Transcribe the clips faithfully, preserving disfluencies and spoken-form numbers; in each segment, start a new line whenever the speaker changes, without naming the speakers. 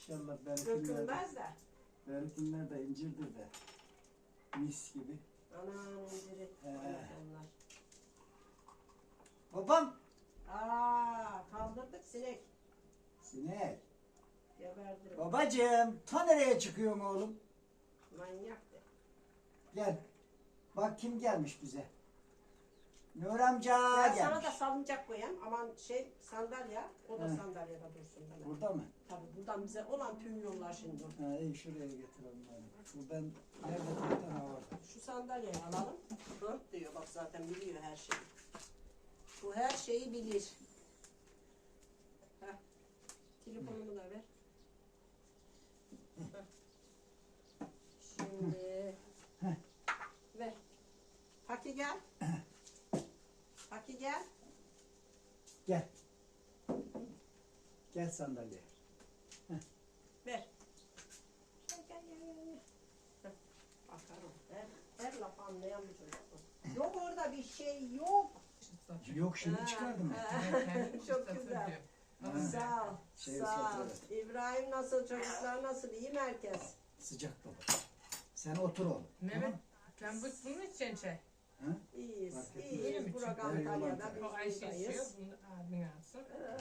İnşallah benimkiler de,
Dökülmez de.
benimkiler de incirdir de. Mis gibi.
Anam inciri.
He.
Onlar.
Babam.
Aa, kaldırdık sinek.
Sinek.
Geberdirim.
Babacığım. Ta nereye çıkıyorsun oğlum?
Manyaktı.
Gel. Bak kim gelmiş bize. Nur amca
Ben
gelmiş.
sana da salıncak koyayım. Aman şey sandalye. O da
He.
sandalyede dursun bana.
Burada mı?
Tabii buradan bize olan tüm yollar şimdi.
Ha, iyi şuraya getir onları. Buradan nerede bir tane var?
Şu sandalyeyi alalım. Dört diyor bak zaten biliyor her şeyi. Bu her şeyi bilir. Heh. Telefonumu da ver. Heh. Şimdi ver. Haki gel. Haki gel.
Gel. Gel sandalyeye.
Ver. Gel gel gel gel. Heh. Bakarım. Her, her laf anlayan bir çocuk bu. Yok orada bir şey yok.
Yok şimdi çıkardım ben.
Çok güzel.
Ha.
Sağ ol.
Şey
Sağ ol.
ıslatıyor.
İbrahim nasıl, çocuklar nasıl, iyi mi herkes?
Sıcak baba. Sen otur oğlum.
Mehmet, sen bu bunun için çay.
Ha?
İyiyiz,
Fark etmez.
Öyle mi?
iyiyiz. Burak
Çünkü
Antalya'da,
eyvallah.
O Ayşe
biz
içiyor,
buradayız.
bunu da abin alsın.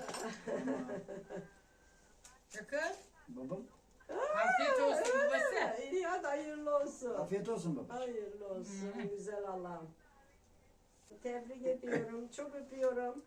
Çakır,
Babam.
afiyet olsun babası.
İyi hadi hayırlı olsun.
Afiyet olsun baba.
Hayırlı olsun, güzel Allah'ım. Tebrik ediyorum, çok öpüyorum.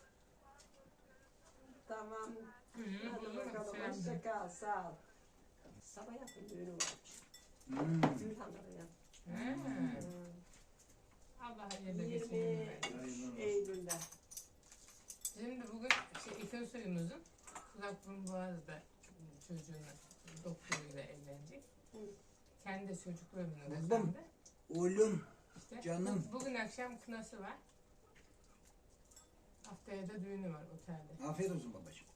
Tamam.
Hı hı,
Hadi
bunu
bakalım,
selam
hoşça
söyle.
kal, sağ ol. Sabah yakın düğünü varmış.
Hmm.
Gülhan'da ya.
Hı. Allah hayırlı geçsin.
yirmi üç Eylül'de.
Şimdi bugün şey, ikin suyumuzun kulak burun boğazda çocuğunu doktoruyla evlenecek.
Hı.
Kendi çocuklarını
Buldum.
kazandı.
Oğlum.
İşte
Canım.
bu- Bugün akşam kınası var. Haftaya da düğünü var otelde.
Afiyet olsun babacığım.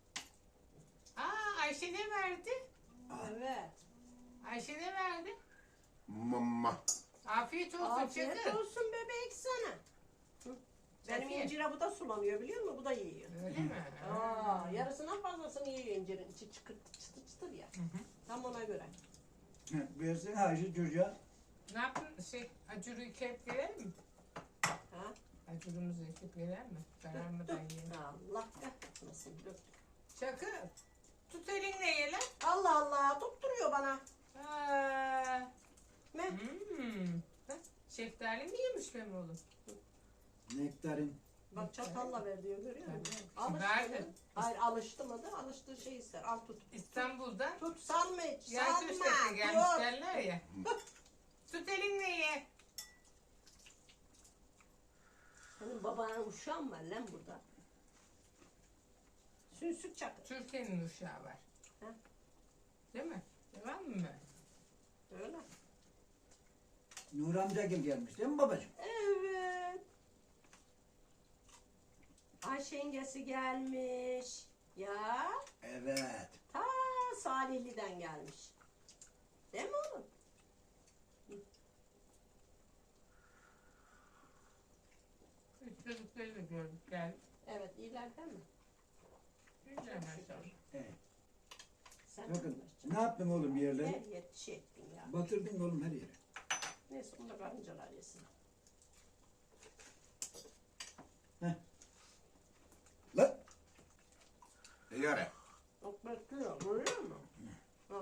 Aa Ayşe ne verdi?
Evet.
Ayşe ne verdi?
Mama.
Afiyet olsun
Afiyet
Çakır.
olsun bebek sana. Hı. Benim
Afiyet.
incire bu da sulanıyor biliyor musun? Bu da yiyor.
Öyle mi?
Aa, yarısından fazlasını yiyor incirin. İçi çıkır, çıtır çıtır ya. Tam ona göre.
Versin Hacı çocuğa.
Ne yaptın? Şey, acuru yıkayıp verelim mi?
Ha?
Acurumuzu yıkayıp verelim mi? Karar mı da yiyelim?
Allah kahretmesin. Döktük.
Çakır, tut elinle ye lan.
Allah Allah tutturuyor bana.
Aa,
Ne?
hmm. Bak, şeftali mi yemiş benim oğlum?
Nektarin.
Bak çatalla ver diyor görüyor musun?
Tabii.
Alıştı
Verdim.
mı? Hayır alıştı mı da alıştığı şey ister. Al tut.
İstanbul'dan
Tut salma hiç.
yaş
Salma.
üstesi gelmiş
Tut.
derler ya. Tut elinle ye.
Senin babanın uşağı mı var lan burada? Sünsük çakır.
Türkiye'nin uşağı var.
Ha?
Değil mi? Devam mı?
Öyle.
Nur amca gel gelmiş değil mi babacığım?
Evet. Ayşe yengesi gelmiş. Ya
Evet.
ta Salihli'den gelmiş. Değil mi oğlum?
Üç çocukları da gördük geldik.
Evet iyiler değil mi?
Güzel maşallah.
Evet.
Sen
Bakın ne yaptın oğlum bir
her
yerleri?
yer şey ettin ya.
Batırdın oğlum her yeri.
Neyse bunu da karıncalar yesin.
Lan.
Yere.
Bak bekliyor görüyor musun? Hı.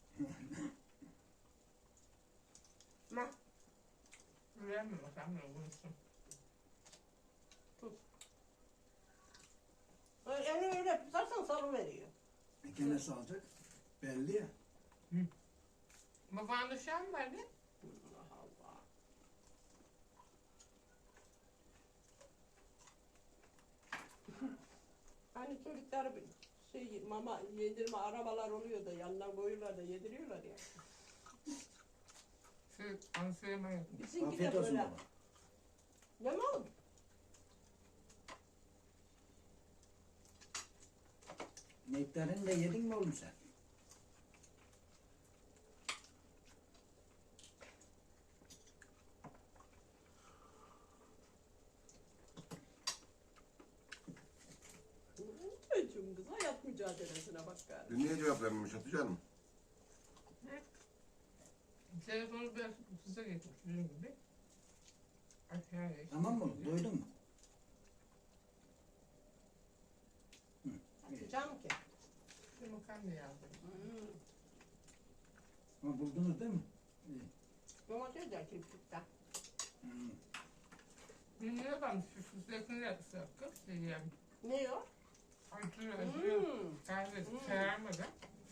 Ne?
Güzel mi bakalım ne olursun.
Elini öyle tutarsan sarı veriyor.
E, gene salacak. Belli ya.
Babanın uşağı mı vardı?
Allah Allah. Hani çocuklar bir şey mama yedirme arabalar oluyor da yanına koyuyorlar da yediriyorlar ya.
Şey, onu söylemeyin.
Bizimki
Afiyet
de
olsun
böyle.
baba.
Ne mi oğlum?
Nektarini de yedin mi oğlum sen?
Çocuğum kız hayat mücadelesine bak gari.
Dün niye cevap vermemiş Hatice Hanım?
Telefonu biraz kısa geçmiş bizim gibi. Aşağıya.
Tamam mı? Doydun mu?
Atacağım ki.
Şu makarna yazdım.
Hmm.
Ha, buldunuz değil mi? İyi.
Domates de çiftlikten.
Hmm.
Bilmiyorum ben şu fıstıkını yapsak. Şey yani.
Ne o?
Acı acı.
Hmm.
Kahve
Hmm.
kararmadan.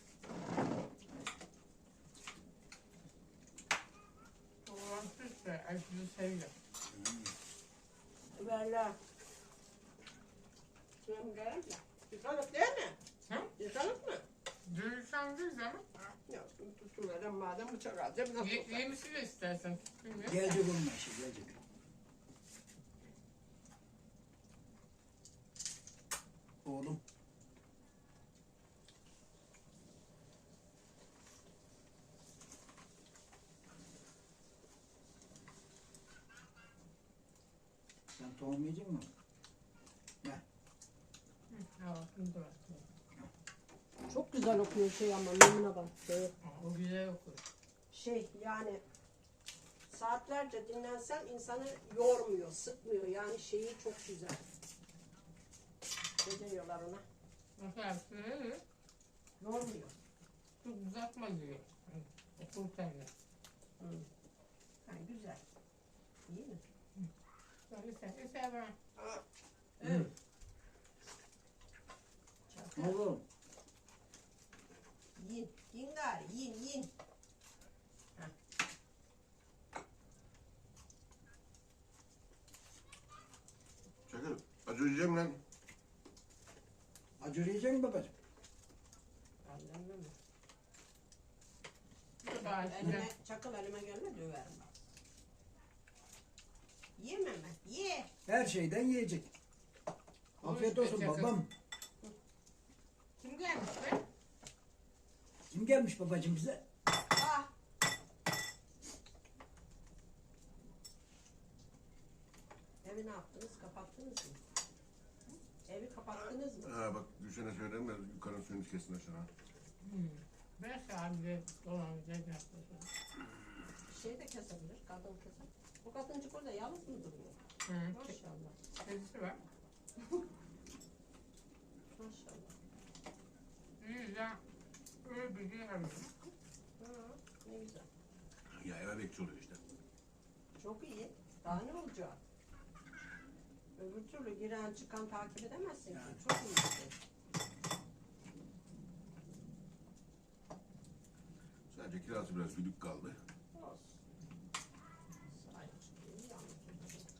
Olan süsle acıyı seviyor.
Biberler. Şunu görelim de. Yıkalık değil mi?
Hı?
Yıkalık mı?
Dürüstten değil ama
Yok, tutuverem madem bıçak alacağım. Nasıl
ye,
olsa.
yemişi de istersen. Bilmiyorum.
Gelecek onun işi gelecek. Oğlum. Sen tohum yiyecek misin?
Ha, bunu da var.
Çok güzel okuyor şey ama memnuna bak. Şey,
O güzel okur.
şey yani saatlerce dinlensen insanı yormuyor, sıkmıyor. Yani şeyi çok güzel. Ne diyorlar ona?
Mesela şöyle
Yormuyor.
çok uzatma diyor. Okurken de.
Hı. Yani güzel. İyi mi?
Böyle sen sever.
Evet. Çakal.
Oğlum.
Yiyin. Yiyin gari. Yiyin yiyin.
Çakır. Acı yiyeceğim lan.
Acı yiyecek misin babacığım?
Annem mi?
Bu da acı.
Elime, çakal elime gelme döverim bak. Yeme mi? Ye.
Her şeyden yiyecek. Afiyet olsun
Çakır.
babam.
Kim gelmiş be?
Kim gelmiş babacığım bize?
Ah. Evi ne yaptınız? Kapattınız mı? Evi kapattınız mı?
Ha bak düşene söylerim de yukarı suyunu kesin aşağı.
Hmm. Ben sadece dolanacak yaptım.
Şey de kesebilir. Kadın keser. Bu kadıncık orada yalnız mı duruyor?
Hı.
Maşallah.
Kedisi var.
Maşallah.
İyi ya. Öyle bir şey arıyorum.
Ha, ne güzel.
Ya eve bekçi oluyor işte.
Çok iyi. Daha ne olacak? Öbür türlü giren çıkan takip edemezsin ki. Çok iyi bir şey.
Sadece kirası biraz büyük kaldı.
Olsun. Sahip çıkıyor. Yalnız olacak.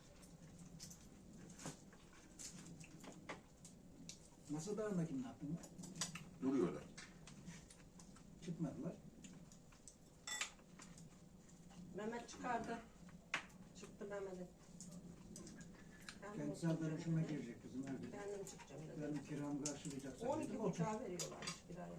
Masa dağındakini ne yaptın lan?
Duruyorlar.
Çıkmadılar.
Mehmet çıkardı. Çıktı Mehmet'in. Kendim,
Kendisi arkadaşıma girecek kızım. Her gün.
kendim çıkacağım dedi.
Benim kiramı karşılayacaksa.
on
dedim,
iki
otur.
buçuğa veriyorlarmış kiraya.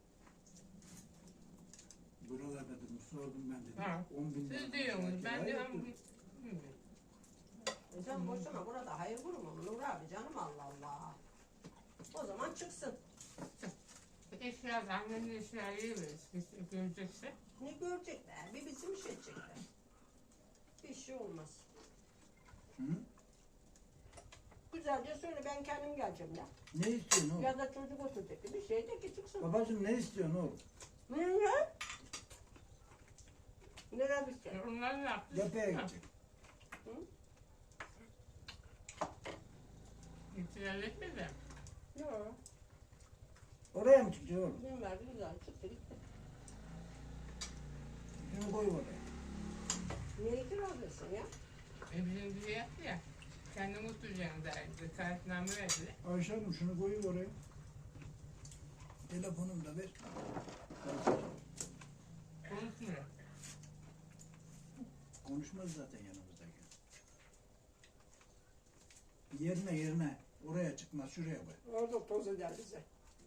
Buralarda dedim sordum ben dedim.
Ha.
on bin lira.
Siz diyorsunuz. Ben
Kiraya
diyorum.
yoktu.
Bilmiyorum.
E sen boşuna burada hayır kurumu mu Nur abi canım Allah Allah. O zaman çıksın.
Eşya, annenin eşyayı veririz. Biz görecekse.
Ne görecekler? Bir bizim iş edecekler. Bir şey olmaz.
Hı?
Güzelce söyle ben kendim geleceğim ya.
Ne istiyorsun oğlum?
Ya da çocuk oturacak bir şey de ki çıksın.
Babacığım ne istiyorsun oğlum?
Nereye? Nereye gidecek?
E, Onlar ne yaptı?
Yapıya
Ha,
gidecek.
İtiraz etmedi.
Yok.
Oraya mı çıkacak oğlum?
Gün verdi güzel çıktı gitti.
Şunu koy oraya.
Niye itiraz etsin ya?
E bizim bize yaptı ya. Kendin oturacaksın derdi. Kayıtname verdi.
Ayşe Hanım şunu koy oraya. Telefonumu da ver.
Konuşmuyor.
Konuşmaz zaten yanımızdaki. Yerine yerine. Oraya çıkmaz şuraya koy.
Orada toz eder bize.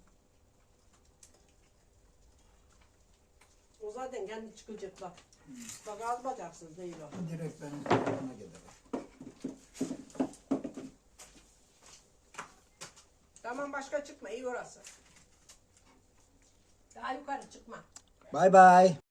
O zaten kendi çıkacak bak. Bak az bacaksız değil o.
Direkt benim telefona gelir.
Tamam başka çıkma iyi orası. yukarı çıkma.
Bay bay.